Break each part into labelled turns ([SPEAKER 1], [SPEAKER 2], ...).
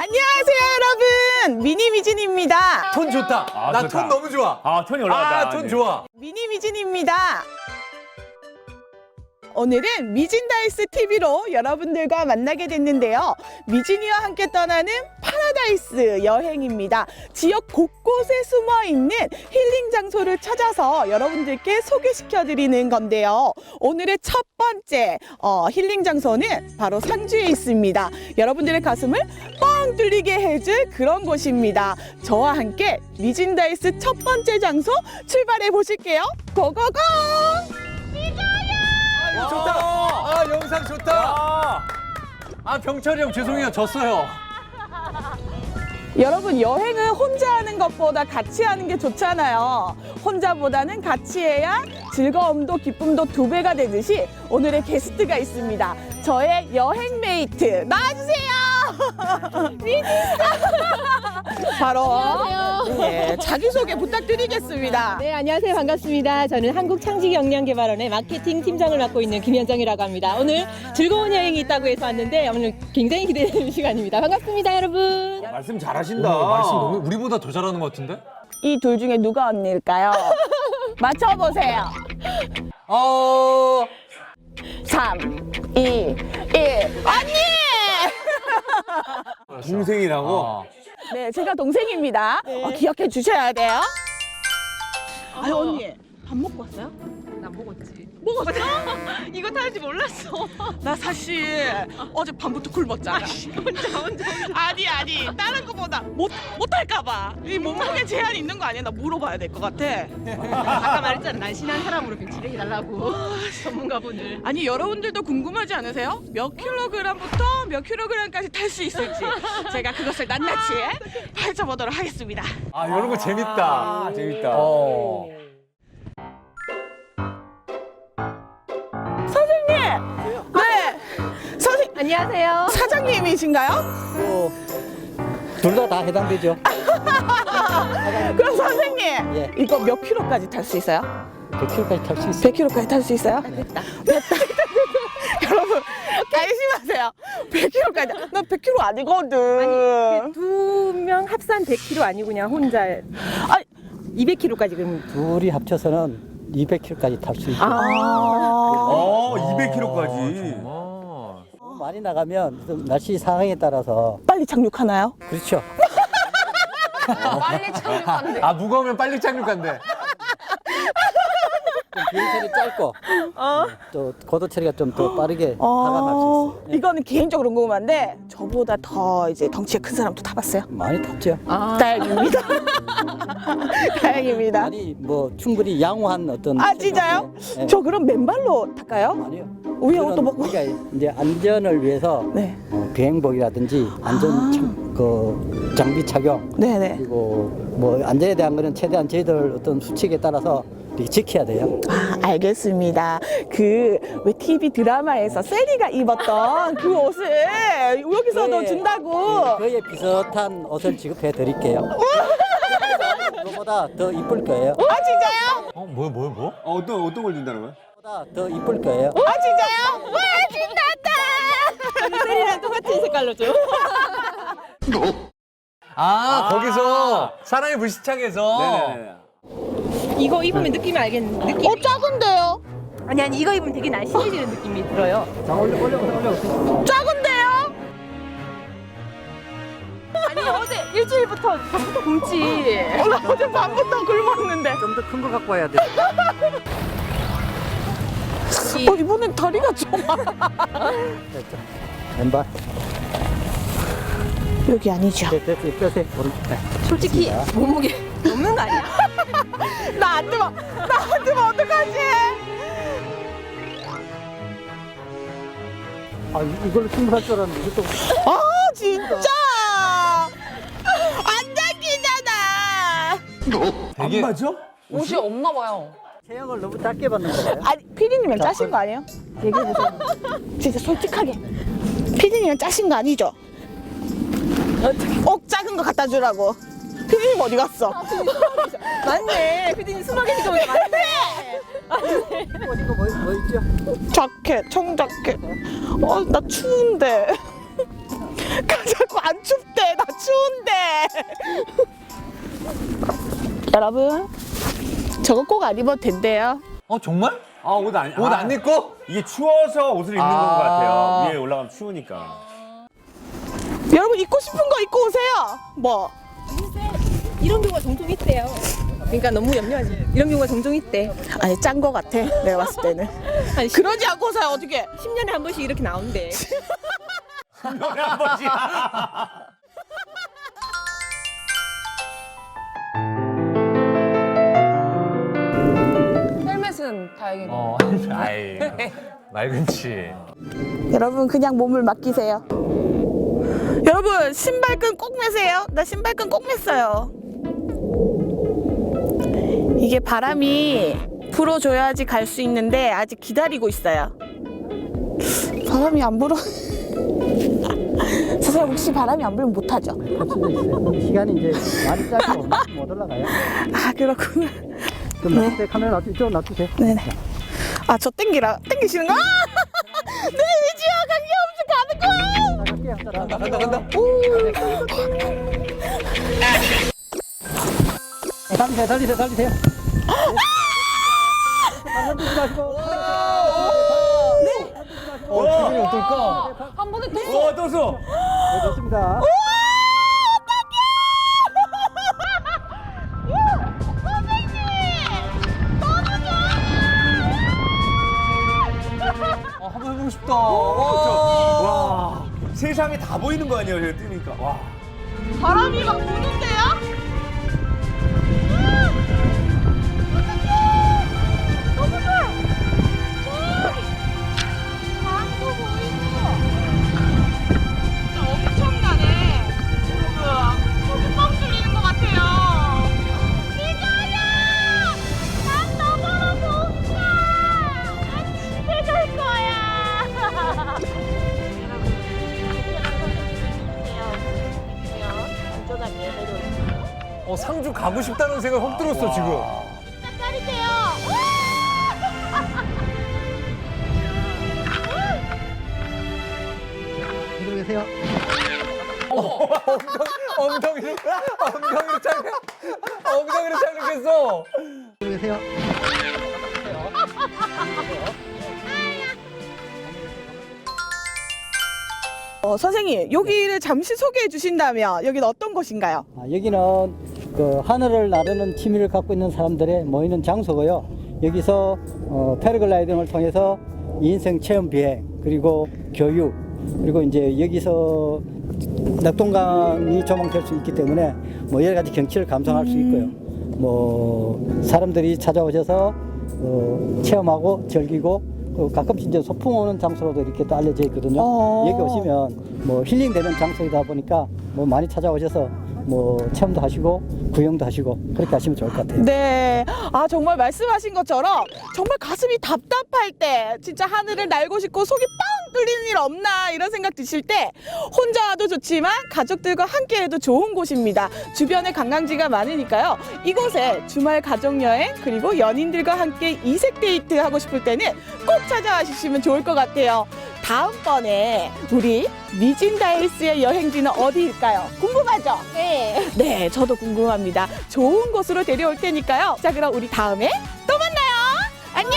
[SPEAKER 1] 안녕하세요 여러분, 미니미진입니다.
[SPEAKER 2] 톤 좋다. 나
[SPEAKER 3] 좋다.
[SPEAKER 2] 톤 너무 좋아.
[SPEAKER 3] 톤이 올라갔다.
[SPEAKER 2] 톤 좋아.
[SPEAKER 1] 미니미진입니다. 오늘은 미진다이스 TV로 여러분들과 만나게 됐는데요. 미진이와 함께 떠나는 파라다이스 여행입니다. 지역 곳곳에 숨어있는 힐링 장소를 찾아서 여러분들께 소개시켜드리는 건데요. 오늘의 첫 번째 힐링 장소는 바로 상주에 있습니다. 여러분들의 가슴을 뻥 뚫리게 해줄 그런 곳입니다. 저와 함께 미진다이스 첫 번째 장소 출발해 보실게요. 고고고!
[SPEAKER 2] 좋다. 아, 영상 좋다. 아, 병철이 형 죄송해요. 졌어요.
[SPEAKER 1] 여러분, 여행은 혼자 하는 것보다 같이 하는 게 좋잖아요. 혼자보다는 같이 해야 즐거움도 기쁨도 2배가 되듯이 오늘의 게스트가 있습니다. 저의 여행 메이트 나와주세요. 바로 네, 자기소개 부탁드리겠습니다.
[SPEAKER 4] 네, 안녕하세요. 반갑습니다. 저는 한국창직역량개발원의 마케팅 팀장을 맡고 있는 김현정이라고 합니다. 오늘 즐거운 여행이 있다고 해서 왔는데 오늘 굉장히 기대되는 시간입니다. 반갑습니다, 여러분.
[SPEAKER 3] 말씀 잘하신다.
[SPEAKER 2] 말씀 너무 우리보다 더 잘하는 것 같은데?
[SPEAKER 1] 이 둘 중에 누가 언니일까요? 맞춰보세요. 3, 2, 1 언니!
[SPEAKER 3] 동생이라고?
[SPEAKER 1] 네, 제가 동생입니다. 기억해 주셔야 돼요. 아니 언니, 밥 먹고 왔어요?
[SPEAKER 4] 나 먹었지.
[SPEAKER 1] 먹었어?
[SPEAKER 4] 이거 타는지 몰랐어.
[SPEAKER 1] 나 사실 어제 밤부터 굶었잖아.
[SPEAKER 4] 혼자.
[SPEAKER 1] 아니 다른 거보다 못할까봐. 이 몸무게 제한 있는 거 아니야? 나 물어봐야 될 것 같아.
[SPEAKER 4] 아까 말했잖아. 난신한 사람으로 배치해달라고. 전문가분을.
[SPEAKER 1] 아니 여러분들도 궁금하지 않으세요? 몇 킬로그램부터 몇 킬로그램까지 탈 수 있을지 제가 그것을 낱낱이 파헤쳐보도록 하겠습니다.
[SPEAKER 2] 아, 이런 거 재밌다.
[SPEAKER 3] 재밌다.
[SPEAKER 1] 선생님! 네! 선생님!
[SPEAKER 4] 안녕하세요.
[SPEAKER 1] 사장님이신가요?
[SPEAKER 5] 둘 다 해당되죠.
[SPEAKER 1] 그럼 선생님!
[SPEAKER 5] 예.
[SPEAKER 1] 이거 몇 킬로까지 탈 수 있어요?
[SPEAKER 5] 100km까지 탈 수 있어요.
[SPEAKER 1] 100킬로까지 탈 수 있어요?
[SPEAKER 4] 됐다.
[SPEAKER 1] 여러분, 안심하세요. 100킬로까지. 나 100킬로 아니거든.
[SPEAKER 4] 2명 합산 100kg 아니고 그냥 혼자
[SPEAKER 1] 아니,
[SPEAKER 4] 200kg까지 그러면.
[SPEAKER 5] 둘이 합쳐서는 200km까지 탈 수 있어요.
[SPEAKER 3] 200kg까지.
[SPEAKER 5] 너무 많이 나가면 좀 날씨 상황에 따라서
[SPEAKER 1] 빨리 착륙하나요?
[SPEAKER 5] 그렇죠.
[SPEAKER 4] 빨리 착륙한대.
[SPEAKER 2] 아, 무거우면 빨리 착륙한대.
[SPEAKER 5] 좀 비행처리 짧고 또 고도 처리가 좀 더 빠르게 하강할 수 있어요. 예.
[SPEAKER 1] 이거는 개인적으로 궁금한데 저보다 더 이제 덩치가 큰 사람도 타봤어요?
[SPEAKER 5] 많이 탔죠.
[SPEAKER 1] 다행입니다. 다행입니다.
[SPEAKER 5] 많이 뭐 충분히 양호한 어떤.
[SPEAKER 1] 아 진짜요?
[SPEAKER 5] 예.
[SPEAKER 1] 저 그럼 맨발로 탈까요?
[SPEAKER 5] 아니요.
[SPEAKER 1] 위에 옷도 벗고?
[SPEAKER 5] 우리가 이제 안전을 위해서
[SPEAKER 1] 네.
[SPEAKER 5] 비행복이라든지 그 장비 착용
[SPEAKER 1] 네네.
[SPEAKER 5] 그리고 뭐 안전에 대한 거는 최대한 저희들 어떤 수칙에 따라서 이렇게 지켜야 돼요.
[SPEAKER 1] 아, 알겠습니다. 그 왜 TV 드라마에서 세리가 입었던 그 옷을 여기서도
[SPEAKER 5] 네.
[SPEAKER 1] 준다고.
[SPEAKER 5] 그에 비슷한 옷을 지급해 드릴게요. 그거보다 더 이쁠 거예요.
[SPEAKER 1] 아 진짜요?
[SPEAKER 2] 뭐?
[SPEAKER 3] 어떤 걸 준다는 거야?
[SPEAKER 5] 그거보다 더 이쁠 거예요.
[SPEAKER 1] 아 진짜요? 와 신난다.
[SPEAKER 4] 세리랑 똑같은 색깔로 줘.
[SPEAKER 2] 거기서 사람이 불시착해서.
[SPEAKER 3] 네네네.
[SPEAKER 4] 이거 입으면 느낌이 알겠는데. 느낌.
[SPEAKER 1] 작은데요?
[SPEAKER 4] 아니 이거 입으면 되게 날씬해지는 느낌이 들어요.
[SPEAKER 5] 자, 올려.
[SPEAKER 1] 작은데요?
[SPEAKER 4] 아니 어제 일주일부터 밤부터 굶지.
[SPEAKER 1] 나 어제 밤부터 굶었는데.
[SPEAKER 5] 좀 더 큰 거 갖고 와야 돼.
[SPEAKER 1] 이번엔 다리가 좀.
[SPEAKER 5] 됐죠. 왼발.
[SPEAKER 1] 여기 아니죠?
[SPEAKER 5] 됐어. 뼈세. 오른쪽. 네.
[SPEAKER 4] 솔직히 몸무게 없는 거 아니야?
[SPEAKER 1] 나 안 들어. 어떡하지?
[SPEAKER 5] 아, 이걸로 충분할 줄 알았는데 이것도
[SPEAKER 1] 아 진짜 안 당기잖아.
[SPEAKER 2] 되게
[SPEAKER 3] 맞아?
[SPEAKER 4] 옷이 없나 봐요.
[SPEAKER 5] 체형을 너무 작게 받는 거예요.
[SPEAKER 1] 아니 피디님은 짜신 거 아니에요? 얘기해보세요. 진짜 솔직하게. 피디님은 짜신 거 아니죠? 작은 거 갖다 주라고. 피디님 어디 갔어?
[SPEAKER 4] 맞네. 피디님 수박이니까 왜 맞네.
[SPEAKER 5] 이거 뭐 있죠?
[SPEAKER 1] 자켓, 청자켓. 나 추운데. 자꾸 안 춥대. 나 여러분, 저거 꼭 안 입어도 된대요.
[SPEAKER 2] 정말?
[SPEAKER 3] 아, 옷 안
[SPEAKER 2] 입고?
[SPEAKER 3] 이게 추워서 옷을 입는 것 같아요. 위에 올라가면 추우니까.
[SPEAKER 1] 여러분, 입고 싶은 거 입고 오세요. 뭐?
[SPEAKER 4] 이런 경우가 종종 있대요. 그러니까 너무 염려하지. 이런 경우가 종종 있대.
[SPEAKER 1] 아니, 짠 거 같아. 내가 봤을 때는.
[SPEAKER 4] 한
[SPEAKER 1] 그러지 않고 사요, 어떻게?
[SPEAKER 4] 10년에 한 번씩 이렇게 나온대.
[SPEAKER 3] 한 번씩.
[SPEAKER 6] 헬멧은 다행이네요.
[SPEAKER 2] 아이, 맑은치.
[SPEAKER 1] 여러분, 그냥 몸을 맡기세요. 여러분, 신발끈 꼭 매세요. 나 신발끈 꼭 맸어요. 이게 바람이 불어줘야지 갈 수 있는데 아직 기다리고 있어요. 바람이 안 불어. 선생님, 혹시 바람이 안 불면 못하죠?
[SPEAKER 5] 할 수도 있어요. 시간이 이제 많이 짧고 못 올라가요.
[SPEAKER 1] 아, 그렇구나.
[SPEAKER 5] 좀 놔주세요. 카메라 놔주세요. 이쪽으로 놔주세요.
[SPEAKER 1] 네네. 아, 저 땡기시는 거? 네, 위지와 관계없이 가는 거야!
[SPEAKER 5] 갈게요.
[SPEAKER 2] 간다.
[SPEAKER 5] 달리세요. 달리세요. 달리지 마시고.
[SPEAKER 2] 기분이 어떨까?
[SPEAKER 6] 한 번에 또
[SPEAKER 3] 떴어.
[SPEAKER 5] 네, 좋습니다.
[SPEAKER 2] 한번 해보고 싶다.
[SPEAKER 3] 와, 세상에 다 보이는 거 아니에요, 제가 뛰니까. 와.
[SPEAKER 1] 바람이 막 부는데요? 너무 좋아! 강도 보이고 진짜 엄청나네. 여러분, 뻥 뚫리는 것 같아요. 미자야! 난 너무너무 웃겨! 난 집에 갈 거야!
[SPEAKER 2] 상주 가고 싶다는 생각 확 들었어, 지금.
[SPEAKER 5] 이쪽으로 계세요.
[SPEAKER 2] 엉덩이로 착륙했어.
[SPEAKER 5] 이쪽으로 계세요.
[SPEAKER 1] 선생님, 여기를 잠시 소개해 주신다면 여기는 어떤 곳인가요?
[SPEAKER 5] 여기는 그 하늘을 나르는 취미를 갖고 있는 사람들의 모이는 장소고요. 여기서 패러글라이딩을 통해서 인생 체험 비행 그리고 교육 그리고 이제 여기서 낙동강이 조망될 수 있기 때문에 뭐 여러 가지 경치를 감상할 수 있고요. 뭐 사람들이 찾아오셔서 체험하고 즐기고 가끔씩 이제 소풍 오는 장소로도 이렇게 또 알려져 있거든요. 여기 오시면 뭐 힐링되는 장소이다 보니까 뭐 많이 찾아오셔서 뭐 체험도 하시고 구경도 하시고 그렇게 하시면 좋을 것 같아요.
[SPEAKER 1] 네. 아, 정말 말씀하신 것처럼 정말 가슴이 답답할 때 진짜 하늘을 날고 싶고 속이 뻥 뚫리는 일 없나 이런 생각 드실 때 혼자 와도 좋지만 가족들과 함께 해도 좋은 곳입니다. 주변에 관광지가 많으니까요. 이곳에 주말 가족여행 그리고 연인들과 함께 이색 데이트 하고 싶을 때는 꼭 찾아와 주시면 좋을 것 같아요. 다음번에 우리 미진다일스의 여행지는 어디일까요? 궁금하죠?
[SPEAKER 4] 네.
[SPEAKER 1] 네, 저도 궁금합니다. 좋은 곳으로 데려올 테니까요. 자, 그럼 우리 다음에 또 만나요. 안녕!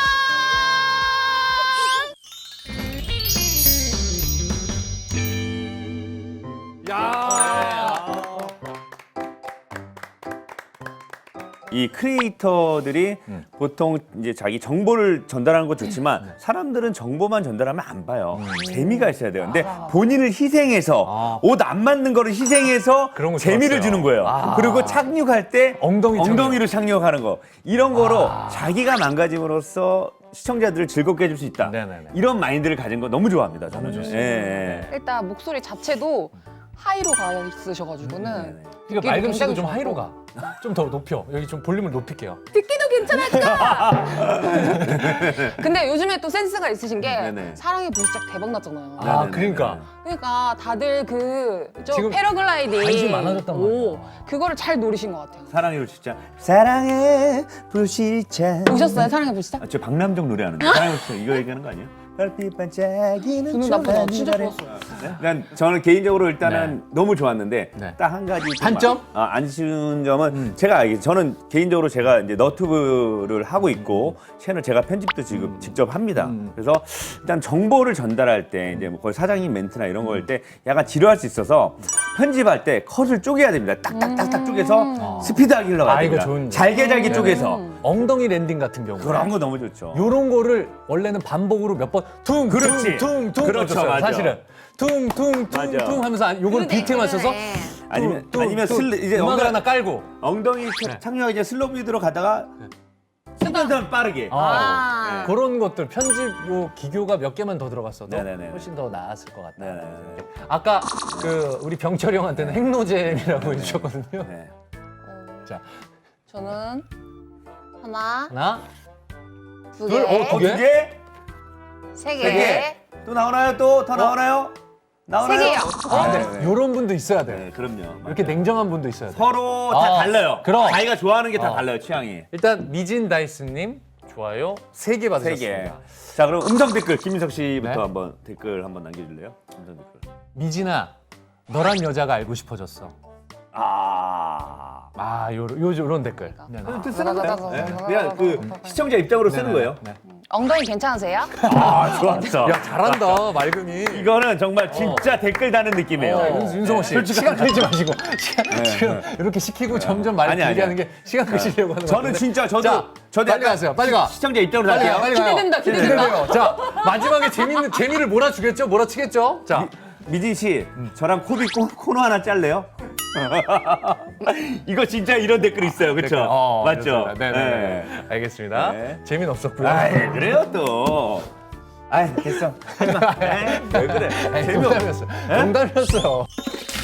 [SPEAKER 3] 이 크리에이터들이 보통 이제 자기 정보를 전달하는 거 좋지만 사람들은 정보만 전달하면 안 봐요. 재미가 있어야 돼요. 근데 본인을 희생해서 옷 안 맞는 거를 희생해서
[SPEAKER 2] 그런 거
[SPEAKER 3] 재미를
[SPEAKER 2] 좋았어요.
[SPEAKER 3] 주는 거예요. 그리고 착륙할 때
[SPEAKER 2] 엉덩이로
[SPEAKER 3] 착륙하는 거. 이런 거로 자기가 망가짐으로써 시청자들을 즐겁게 해줄 수 있다.
[SPEAKER 2] 네네네.
[SPEAKER 3] 이런 마인드를 가진 거 너무 좋아합니다. 저는.
[SPEAKER 2] 너무 좋습니다.
[SPEAKER 3] 예, 예.
[SPEAKER 6] 일단 목소리 자체도 하이로 가 있으셔가지고는
[SPEAKER 2] 그러니까
[SPEAKER 6] 듣기도
[SPEAKER 2] 맑은 씨도
[SPEAKER 6] 굉장히
[SPEAKER 2] 좀
[SPEAKER 6] 좋고.
[SPEAKER 2] 하이로 가. 좀 더 높여. 여기 좀 볼륨을 높일게요.
[SPEAKER 6] 듣기도 괜찮을까? 근데 요즘에 또 센스가 있으신 게
[SPEAKER 3] 네네.
[SPEAKER 6] 사랑의 불시착 대박 났잖아요.
[SPEAKER 2] 아, 그러니까.
[SPEAKER 6] 그러니까 다들
[SPEAKER 2] 지금
[SPEAKER 6] 패러글라이딩
[SPEAKER 2] 관심이 많아졌단 말이야.
[SPEAKER 6] 그거를 잘 노리신 것 같아요.
[SPEAKER 3] 사랑의 불시착. 사랑의 불시착.
[SPEAKER 6] 보셨어요? 사랑의 불시착?
[SPEAKER 3] 저 박남정 노래하는 거. 사랑의 불시착 이거 얘기하는 거 아니에요? 별빛 반짝이는
[SPEAKER 6] 듣는 나보다 진짜
[SPEAKER 3] 밤하늘에.
[SPEAKER 6] 좋았어.
[SPEAKER 3] 난 저는 개인적으로 일단은 너무 좋았는데
[SPEAKER 2] 네.
[SPEAKER 3] 딱 한 가지 좀
[SPEAKER 2] 단점?
[SPEAKER 3] 안 쉬운 점은 제가 저는 개인적으로 제가 이제 너튜브를 하고 있고 채널 제가 편집도 지금 직접 합니다. 그래서 일단 정보를 전달할 때 이제 뭐 거의 사장님 멘트나 이런 거 할 때 약간 지루할 수 있어서 편집할 때 컷을 쪼개야 됩니다. 딱딱딱딱 쪼개서 스피드하게 흘러가야
[SPEAKER 2] 아, 이거
[SPEAKER 3] 됩니다.
[SPEAKER 2] 좋은데.
[SPEAKER 3] 잘게 쪼개서
[SPEAKER 2] 엉덩이 랜딩 같은 경우.
[SPEAKER 3] 그런 거 너무 좋죠.
[SPEAKER 2] 요런 거를 원래는 반복으로 몇 번 퉁,
[SPEAKER 3] 그렇지.
[SPEAKER 2] 퉁, 퉁,
[SPEAKER 3] 그렇죠,
[SPEAKER 2] 퉁
[SPEAKER 3] 맞아.
[SPEAKER 2] 사실은 퉁, 퉁, 퉁,
[SPEAKER 3] 맞아.
[SPEAKER 2] 퉁 하면서 요걸 비트만 써서
[SPEAKER 3] 아니면
[SPEAKER 2] 퉁,
[SPEAKER 3] 아니면
[SPEAKER 2] 퉁,
[SPEAKER 3] 이제
[SPEAKER 2] 음악을 하나 깔고
[SPEAKER 3] 엉덩이 착륙하기 이제 슬로우 비드로 가다가 순간 빠르게.
[SPEAKER 6] 아.
[SPEAKER 2] 그런 것들 편집 요 기교가 몇 개만 더 들어갔어도
[SPEAKER 3] 네네네.
[SPEAKER 2] 훨씬 더 나았을 것 같다.
[SPEAKER 3] 네네.
[SPEAKER 2] 아까 그 우리 병철이 형한테는 핵노잼이라고 해주셨거든요.
[SPEAKER 3] 네.
[SPEAKER 2] 자,
[SPEAKER 6] 저는 하나,
[SPEAKER 2] 하나,
[SPEAKER 6] 두
[SPEAKER 2] 둘,
[SPEAKER 6] 개,
[SPEAKER 2] 두 개?
[SPEAKER 3] 두 개?
[SPEAKER 6] 세
[SPEAKER 3] 세 개?
[SPEAKER 6] 개,
[SPEAKER 3] 또 나오나요? 또 더 나오나요? 나오나요?
[SPEAKER 6] 세 개요.
[SPEAKER 2] 아,
[SPEAKER 3] 네,
[SPEAKER 2] 네.
[SPEAKER 3] 네.
[SPEAKER 2] 요런 분도 있어야 돼.
[SPEAKER 3] 네, 그럼요.
[SPEAKER 2] 이렇게 냉정한 분도 있어야 돼.
[SPEAKER 3] 서로 다 달라요.
[SPEAKER 2] 그럼.
[SPEAKER 3] 자기가 좋아하는 게 다
[SPEAKER 2] 어.
[SPEAKER 3] 달라요, 취향이.
[SPEAKER 2] 일단 미진 다이스님 좋아요 3개
[SPEAKER 3] 세 개.
[SPEAKER 2] 받으셨습니다.
[SPEAKER 3] 자, 그럼 음성 댓글 김민석 씨부터
[SPEAKER 2] 네.
[SPEAKER 3] 한번 댓글 한번 남겨줄래요? 음성 댓글.
[SPEAKER 2] 미진아, 너란 여자가 알고 싶어졌어.
[SPEAKER 3] 아.
[SPEAKER 2] 요런 댓글. 네, 네.
[SPEAKER 3] 또 쓰는 거예요. 네. 그냥 그 시청자 입장으로 쓰는 거예요.
[SPEAKER 2] 네.
[SPEAKER 6] 엉덩이 괜찮으세요?
[SPEAKER 3] 아, 좋았어.
[SPEAKER 2] 야, 잘한다, 맑음이.
[SPEAKER 3] 이거는 정말 진짜 댓글 다는 느낌이에요.
[SPEAKER 2] 윤성호 씨, 시간 끌지 마시고 지금 이렇게 시키고 점점 말
[SPEAKER 3] 아니,
[SPEAKER 2] 길게
[SPEAKER 3] 아니야.
[SPEAKER 2] 하는 게 시간 끄시려고 하는 거
[SPEAKER 3] 저는
[SPEAKER 2] 같은데.
[SPEAKER 3] 진짜 저도
[SPEAKER 2] 자,
[SPEAKER 3] 저도
[SPEAKER 2] 빨리
[SPEAKER 3] 약간
[SPEAKER 2] 가세요. 빨리 가.
[SPEAKER 3] 시청자 입장으로
[SPEAKER 2] 빨리
[SPEAKER 3] 갈게요.
[SPEAKER 2] 가. 빨리 가요.
[SPEAKER 6] 기대된다, 기대된다.
[SPEAKER 2] 기대돼요. 자, 마지막에 재미를 몰아주겠죠? 몰아치겠죠? 자,
[SPEAKER 3] 미진 씨, 저랑 코너 하나 짤래요? 이거 진짜 이런 댓글 있어요, 그렇죠? 맞죠?
[SPEAKER 2] 네네. 알겠습니다.
[SPEAKER 3] 네.
[SPEAKER 2] 재미는 없었고요.
[SPEAKER 3] 아이, 그래요 또. 아이, 됐어. 하지 마. 에이, 왜 그래? 재미없어.
[SPEAKER 2] 농담이었어요. 농담이었어요.